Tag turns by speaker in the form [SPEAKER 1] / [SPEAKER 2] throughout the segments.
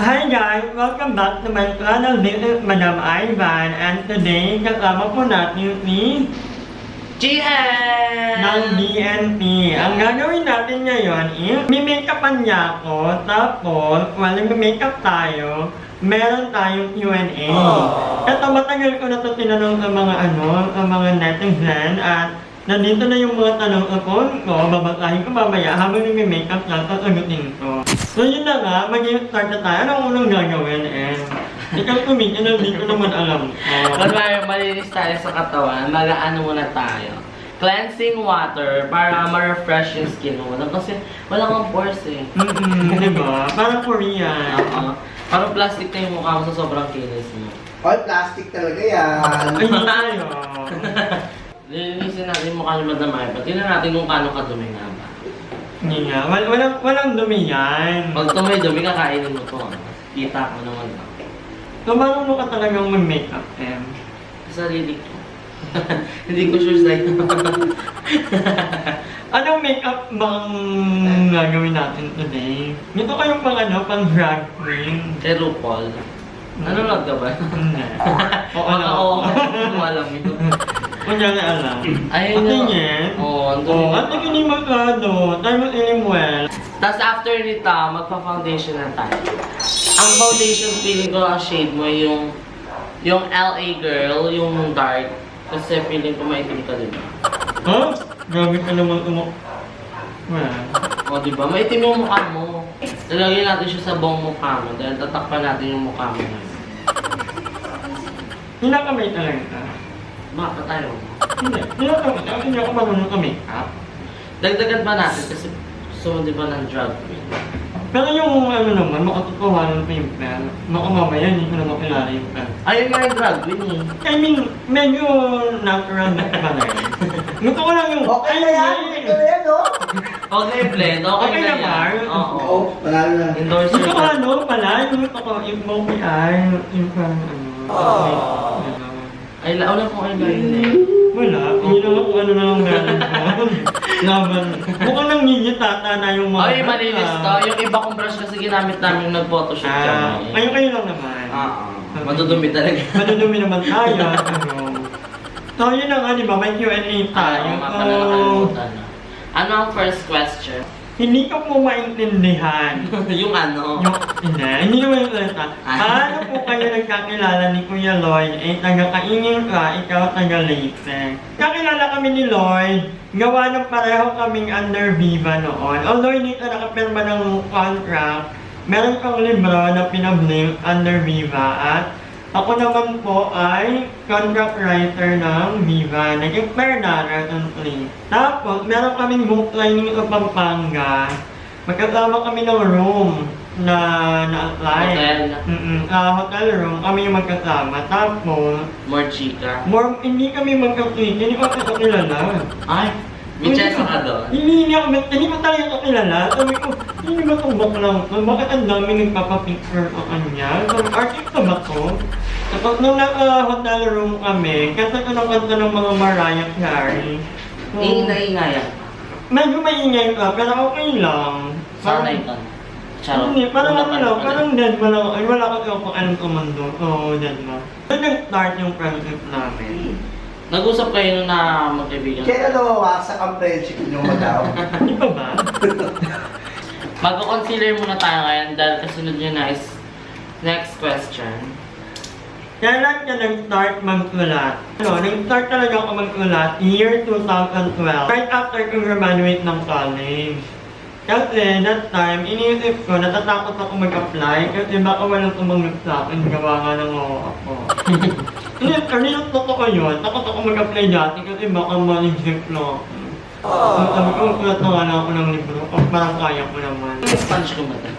[SPEAKER 1] Hi guys! Welcome back to my channel. This is Madam Ivan and today kasama po natin si
[SPEAKER 2] Jihan!
[SPEAKER 1] ng BNP. Ang gagawin natin ngayon is may-makeupan niya ako tapos walang makeup tayo. Meron tayong Q&A. Ito matagal ko na ito tinanong sa mga netizen at nandito na yung mga tanong ko, babasahin ko mamaya habang nag-makeup lang, sasagutin ko. So yun na nga, mag-start na tayo. Anong unang gagawin ikaw tumingin, hindi ko naman alam.
[SPEAKER 2] Kunwari, malinis tayo sa katawan, mag-ano muna tayo. Cleansing water para ma-refresh yung skin mo. Kasi wala kang pores eh.
[SPEAKER 1] Diba? Parang Korean.
[SPEAKER 2] Parang plastic na yung mukha mo sa sobrang kinis mo.
[SPEAKER 3] All plastic talaga yan.
[SPEAKER 1] Ay, hindi tayo.
[SPEAKER 2] Lilinisin natin yung mukha ni Madam Ivan. Tingnan natin kung paano kadumi nga ba.
[SPEAKER 1] Hindi nga. Walang dumi yan.
[SPEAKER 2] Pag tumay-dumi, kakainin mo to. Kita ko naman.
[SPEAKER 1] So, paano mo ka talagang mag-makeup,
[SPEAKER 2] Sa sarili ko. Hindi ko sure sa'yo.
[SPEAKER 1] Anong makeup bang gagawin natin today? Ito kayong pang drag queen.
[SPEAKER 2] Kay RuPaul. Nanonood ka ba?
[SPEAKER 1] Hindi. Oo, alam.
[SPEAKER 2] Oo, hindi mo alam ito.
[SPEAKER 1] Kung yan na alam.
[SPEAKER 2] Ayun
[SPEAKER 1] Ang
[SPEAKER 2] na.
[SPEAKER 1] tingin.
[SPEAKER 2] Oo, ang
[SPEAKER 1] Oo,
[SPEAKER 2] dumi.
[SPEAKER 1] at tingin magkano. Tayo well.
[SPEAKER 2] Tapos after nito, magpa-foundation na tayo. Ang foundation, feeling ko ang shade mo yung LA girl, yung dark. Kasi feeling ko maitim ka din.
[SPEAKER 1] Ha? Grabe ka naman Well.
[SPEAKER 2] O diba? Maitim yung mukha mo. Lalagyan natin siya sa buong mukha mo dahil tatakpan natin yung mukha mo ngayon.
[SPEAKER 1] Hinakamay talaga.
[SPEAKER 2] Baka tayo.
[SPEAKER 1] Hindi ako marunong ka makeup.
[SPEAKER 2] Dagdagan pa natin kasi gusto mo diba ng drug queen?
[SPEAKER 1] Pero yung naman, makatotohanan pa yung plan. Baka mamaya hindi ko na makilala yung plan.
[SPEAKER 2] Ayun nga yung drug queen eh.
[SPEAKER 1] I mean, medyo natural na ba na yun? Gusto ko lang yung...
[SPEAKER 3] Okay na yan, okay na yan, no?
[SPEAKER 2] Okay, blend. Okay,
[SPEAKER 1] Okay
[SPEAKER 2] na
[SPEAKER 1] na ba?
[SPEAKER 2] yan. Oo.
[SPEAKER 3] Oo, wala na.
[SPEAKER 2] Endorser
[SPEAKER 1] Gusto ko
[SPEAKER 2] ka.
[SPEAKER 1] pala, yung gusto ko, yung monkey eye, yung parang
[SPEAKER 2] Ay, wala kong eyeliner.
[SPEAKER 1] Wala, hindi naman kung ano na lang meron ko. Laban. Mukhang nangyiyitata na yung mga...
[SPEAKER 2] Ay, malinis to. Yung iba kong brush kasi ginamit namin yung nag-photoshoot kami.
[SPEAKER 1] Kayo lang naman.
[SPEAKER 2] Madudumi talaga.
[SPEAKER 1] Madudumi naman tayo. So, yun na nga, di ba? May Q&A tayo.
[SPEAKER 2] Nga pala nakalimutan na. Ano ang first question?
[SPEAKER 1] Hindi ko po maintindihan.
[SPEAKER 2] Yung ano?
[SPEAKER 1] Hindi naman yung salita. Paano po kayo nagkakilala ni Kuya Lloyd? Taga-kaingin ka, ikaw taga-Leyte. Kakilala kami ni Lloyd, gawa ng pareho kaming under Viva noon. Although hindi ka nakapirma ng contract, meron kang libro na pinablink under Viva at ako naman po ay contract writer ng Viva. Nag-expire na recently. Tapos, meron kaming book lining sa Pampanga. Magkasama kami ng room na na-apply.
[SPEAKER 2] Hotel.
[SPEAKER 1] Hotel room. Kami yung magkasama. Tapos,
[SPEAKER 2] More chika.
[SPEAKER 1] hindi kami magkakilala. Hindi ko kasi kilala.
[SPEAKER 2] Ay, may chance ka doon.
[SPEAKER 1] Hindi ko talaga kakilala. Sabi ko, hindi ba itong baklang to? Bakit ang dami nagpapapicture sa kanya? Sabi, artista ba to? Tapos nung naka-hotel room kami, kasi ko ng kanta ng mga Mariah Carey. So,
[SPEAKER 2] Ingay-ingayan.
[SPEAKER 1] medyo maingay ka, pero okay lang.
[SPEAKER 2] Sanay ka. Charot.
[SPEAKER 1] Hindi, parang parang dead mo lang. Ay, wala kasi ako alam sa mundo. So, dead mo. So, nag-start yung friendship namin.
[SPEAKER 2] Nag-usap kayo nung na magkaibigan.
[SPEAKER 3] Kaya nawawasak ang friendship niyo, madam.
[SPEAKER 1] Hindi pa ba?
[SPEAKER 2] Mag-consider muna tayo ngayon dahil kasunod nyo na is next question.
[SPEAKER 1] Kailan ka nag-start magsulat? Nag-start talaga ako magsulat year 2012. Right after kong graduate ng college. Kasi that time, iniisip ko, natatakot ako mag-apply kasi baka walang tumanggap sa akin, gawa nga ng ako. Hindi, totoo yun. Takot ako mag-apply dati kasi baka ma-reject lang ako. So, sabi ko, magsulat na nga lang ako ng libro. Parang kaya ko naman.
[SPEAKER 2] Sponge ko mata.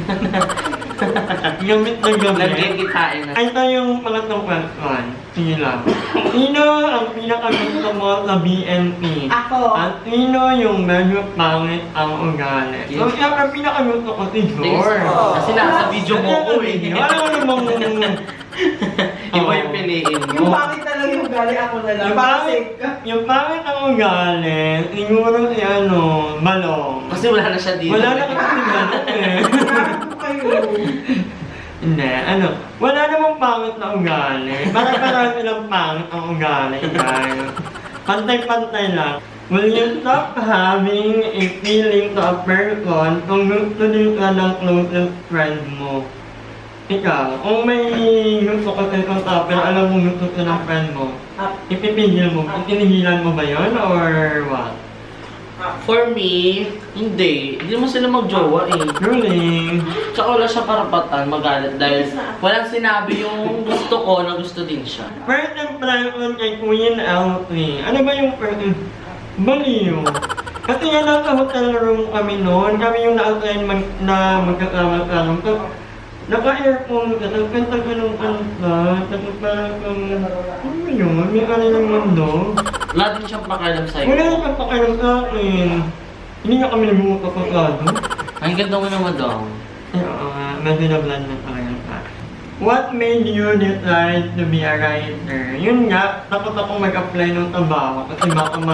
[SPEAKER 1] Gamit na gamit.
[SPEAKER 2] Nagkikitain na.
[SPEAKER 1] Ay, ito yung pangatlong question. Sige lang. Sino ang pinakagusto mo sa BNP?
[SPEAKER 3] Ako.
[SPEAKER 1] At sino yung medyo pangit ang ugali? So, siyempre pinakagusto ko si George.
[SPEAKER 2] Kasi nasa video mo ko eh.
[SPEAKER 1] Wala ko namang...
[SPEAKER 2] Iba yung piliin
[SPEAKER 3] Yung
[SPEAKER 2] mo.
[SPEAKER 3] bakit talaga yung gali ako na lang.
[SPEAKER 1] Yung pangit, yung pangit ang ugali, siguro si Balong.
[SPEAKER 2] Kasi wala na siya dito.
[SPEAKER 1] Wala na kasi si Balong eh.
[SPEAKER 3] Bakit po kayo?
[SPEAKER 1] Hindi, wala namang pangit na ugali. Parang silang pangit ang ugali, guys. Pantay-pantay lang. Will you stop having a feeling to a person kung gusto din ka ng closest friend mo? Ikaw, kung may gusto ka sa isang tao, pero alam mo gusto ka ng friend mo, ipipigil mo, itinigilan mo ba yun, or what?
[SPEAKER 2] For me, hindi. Hindi mo sila magjowa eh.
[SPEAKER 1] Really?
[SPEAKER 2] Tsaka wala siya karapatan magalit dahil walang sinabi yung gusto ko na gusto din siya.
[SPEAKER 1] First impression kay Queen LT. Ano ba yung first baliw? Kasi nga nasa hotel room kami noon. Kami yung na-assign na magkasama-sama. Naka-earphone ka, nagkanta ka ng kanta. Tapos parang ano yun? May kanilang mundo.
[SPEAKER 2] Wala din siyang pakialam sa'yo.
[SPEAKER 1] Wala nang pakialam sa akin. Hindi nga kami nagmumukapagado.
[SPEAKER 2] Ang ganda mo naman daw.
[SPEAKER 1] Medyo na-blend na pakialam sa akin. What made you decide to be a writer? Yun nga, takot ako mag-apply ng trabaho kasi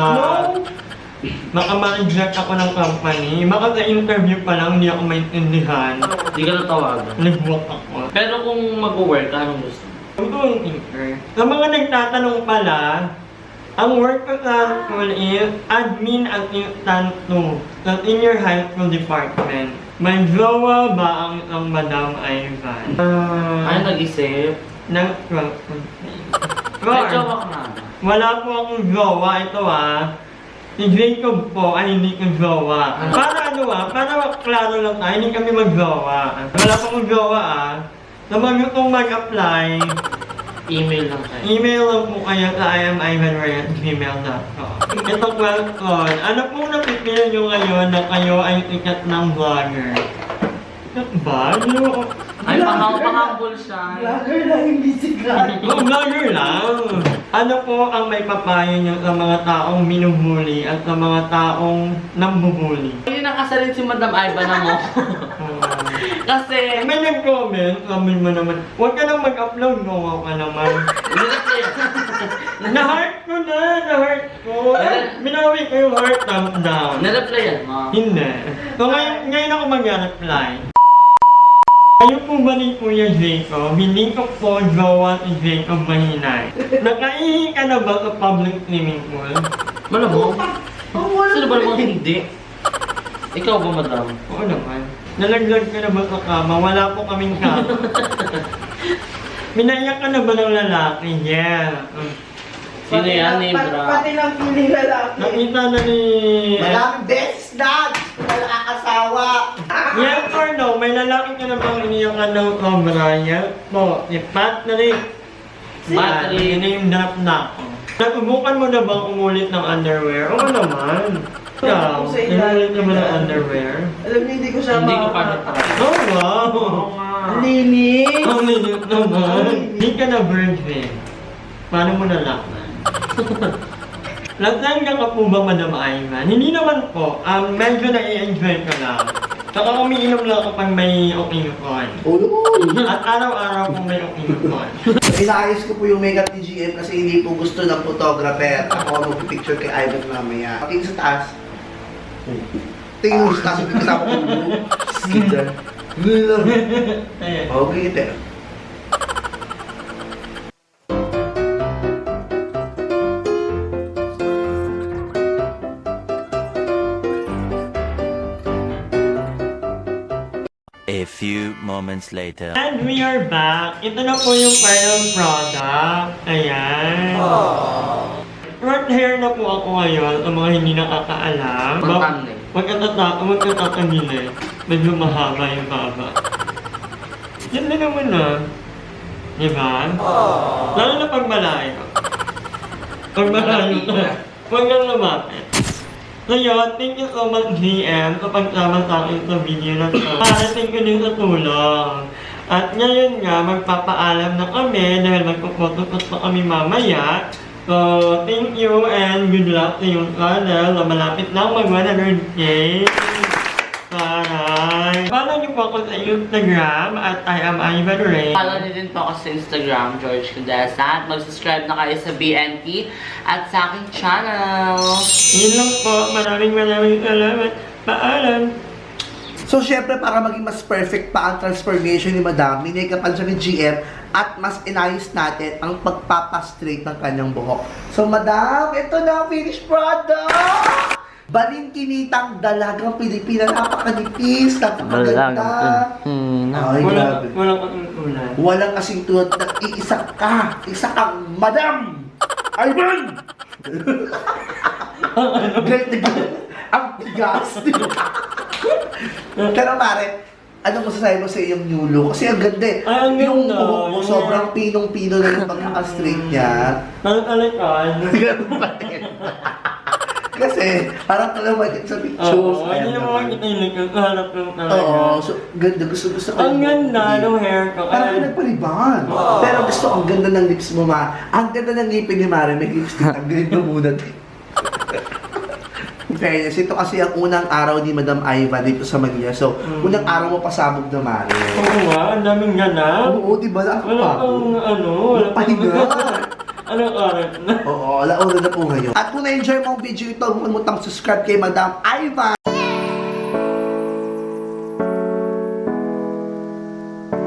[SPEAKER 1] baka ma-reject ako ng company. Baka sa interview pa lang, hindi ako maintindihan.
[SPEAKER 2] Hindi ka natawagan.
[SPEAKER 1] Nag-walk ako.
[SPEAKER 2] Pero kung mag-work, anong gusto mo?
[SPEAKER 1] I'm doing thinker. Sa mga nagtatanong pala, ang work ko sa school is admin assistant 2 sa senior high school department. May jowa ba ang isang Madam Ivan?
[SPEAKER 2] Ay, nag-isip.
[SPEAKER 1] Nag-12.
[SPEAKER 2] May jowa ka na.
[SPEAKER 1] Wala po akong jowa. Ito si Jacob po ay hindi ko jowa. Para para klaro lang tayo, hindi kami mag-jowa. Wala po akong jowa Sa mga gustong mag-apply,
[SPEAKER 2] Email lang tayo.
[SPEAKER 1] email lang po kayo sa imivanray@gmail.com. Ito question, ano pong napipili nyo ngayon na kayo ay sikat ng vlogger? Sikat ba?
[SPEAKER 2] Ay, pahambol siya.
[SPEAKER 3] Vlogger lang, hindi sikat.
[SPEAKER 1] Vlogger lang! Ano po ang may papayo nyo sa mga taong minuhuli at sa mga taong nambubuli?
[SPEAKER 2] Hindi nakasalit si Madam Ivan na mo. Kasi,
[SPEAKER 1] May nag-comment, sabi mo naman, huwag ka nang mag-upload, gawa ka naman. Na-heart ko na-heart ko. Binawi ko yung heart thumbs down.
[SPEAKER 2] na-replyan mo.
[SPEAKER 1] Hindi. So ngayon ako mag-reply. Kayo po ba ni Kuya Jacob? Hindi ko po jowa si Jacob Mahinay. Nakaihi ka na ba sa public swimming pool?
[SPEAKER 2] Malamang. Sino ba namang hindi? Ikaw ba, Madam?
[SPEAKER 1] Oo naman. Nalaglag ka na ba sa kama? Wala po kaming kama. Minaiyak ka na ba ng lalaki? Yeah.
[SPEAKER 2] Sino yan, Nebra?
[SPEAKER 3] Pati lang piling lalaki.
[SPEAKER 1] Nakita na ni...
[SPEAKER 3] Maraming best dad! Wala asawa.
[SPEAKER 1] Yes or no? May lalaki ka na bang iniyakan ng sobra? Yes po. Si Patrick.
[SPEAKER 2] Patrick.
[SPEAKER 1] Name drop na ako. Natubukan mo na bang umulit ng underwear? Oo naman. Ikaw, umulit na ba ng underwear?
[SPEAKER 3] Alam niyo, hindi ko siya
[SPEAKER 2] Hindi ko pa natry.
[SPEAKER 1] Oh wow!
[SPEAKER 3] Ang linis.
[SPEAKER 1] Ang linis naman. Hindi ka na virgin. Paano mo nalaman? Lasagna ka po ba, Madam Ivan? Hindi naman po. Medyo na-i-enjoy ka lang. Saka umiinom lang kapag may occasion. At araw-araw kung may occasion.
[SPEAKER 3] Inaayos ko po yung makeup ni GM kasi hindi po gusto ng photographer. Ako ang mag-picture kay Ivan mamaya. Tingin sa taas. Tingin mo sa taas, yung kasama ko yung skidder.
[SPEAKER 1] Ayan.
[SPEAKER 3] Okay, ito.
[SPEAKER 4] A few moments later.
[SPEAKER 1] And we are back. Ito na po yung final product. Ayan. Short hair na po ako ngayon sa mga hindi nakakaalam.
[SPEAKER 2] Pagpangin.
[SPEAKER 1] Huwag ka tatangin Medyo mahaba yung baba. Yan na naman Diba? Lalo na pag malayo. Pag malayo ka, huwag kang lumapit. So yun, thank you so much GM sa pagsama sa akin sa video na to. Parating ko din sa tulong. At ngayon nga, magpapaalam na kami dahil magpupotos pa kami mamaya. So, thank you and good luck sa yung channel na malapit na mag 100K. Taray! Follow niyo po ako sa Instagram at I am Ivan Ray.
[SPEAKER 2] Follow niyo din po ako sa Instagram, George Condesa. At mag-subscribe na kayo sa BNT at sa aking channel.
[SPEAKER 1] Yun lang po. Maraming salamat. Paalam!
[SPEAKER 3] So, syempre, para maging mas perfect pa ang transformation ni Madam, minake-upan siya ni GM at mas inayos natin ang pagpapastraight ng kanyang buhok. So, Madam, ito na ang finished product! Balingkinitang dalagang Pilipina, napakanipis, napakaganda. Ay, grabe.
[SPEAKER 1] Walang katuntunan.
[SPEAKER 3] Walang kasing tulad na iisa kang Madam Ivan! Ang tigas. Pero pare, ano masasabi mo sa iyong new look? Kasi ang ganda eh.
[SPEAKER 1] Ay, ang
[SPEAKER 3] Yung
[SPEAKER 1] ganda.
[SPEAKER 3] buhok mo, sobrang pinong-pino na yung pagkaka-straight niya.
[SPEAKER 1] Talag-alakan.
[SPEAKER 3] Ganun pa din. Kasi, parang talaga sa pictures.
[SPEAKER 1] Oo,
[SPEAKER 3] Ayan
[SPEAKER 1] hindi naman
[SPEAKER 3] naman.
[SPEAKER 1] makikita yung likod. Hanap lang talaga.
[SPEAKER 3] Oo, so ganda. Gusto ko.
[SPEAKER 1] Ang ganda ng hair ko.
[SPEAKER 3] Parang nagpaliban. Pero gusto, ang ganda ng lips mo, ma. Ang ganda ng ngipin ni Mare, may lipstick. Ang ganito muna. In fairness, ito kasi ang unang araw ni Madam Iva dito sa Manila. So, unang araw mo pasabog na Mare.
[SPEAKER 1] Oo nga, ang daming gana.
[SPEAKER 3] Oo, di ba? Ako
[SPEAKER 1] Wala
[SPEAKER 3] pa.
[SPEAKER 1] pang ano, wala pang
[SPEAKER 3] Pahinga.
[SPEAKER 1] Anong oras na?
[SPEAKER 3] Oo, alauna na po ngayon. At kung na-enjoy mo ang video ito, huwag mo subscribe kay Madam Iva.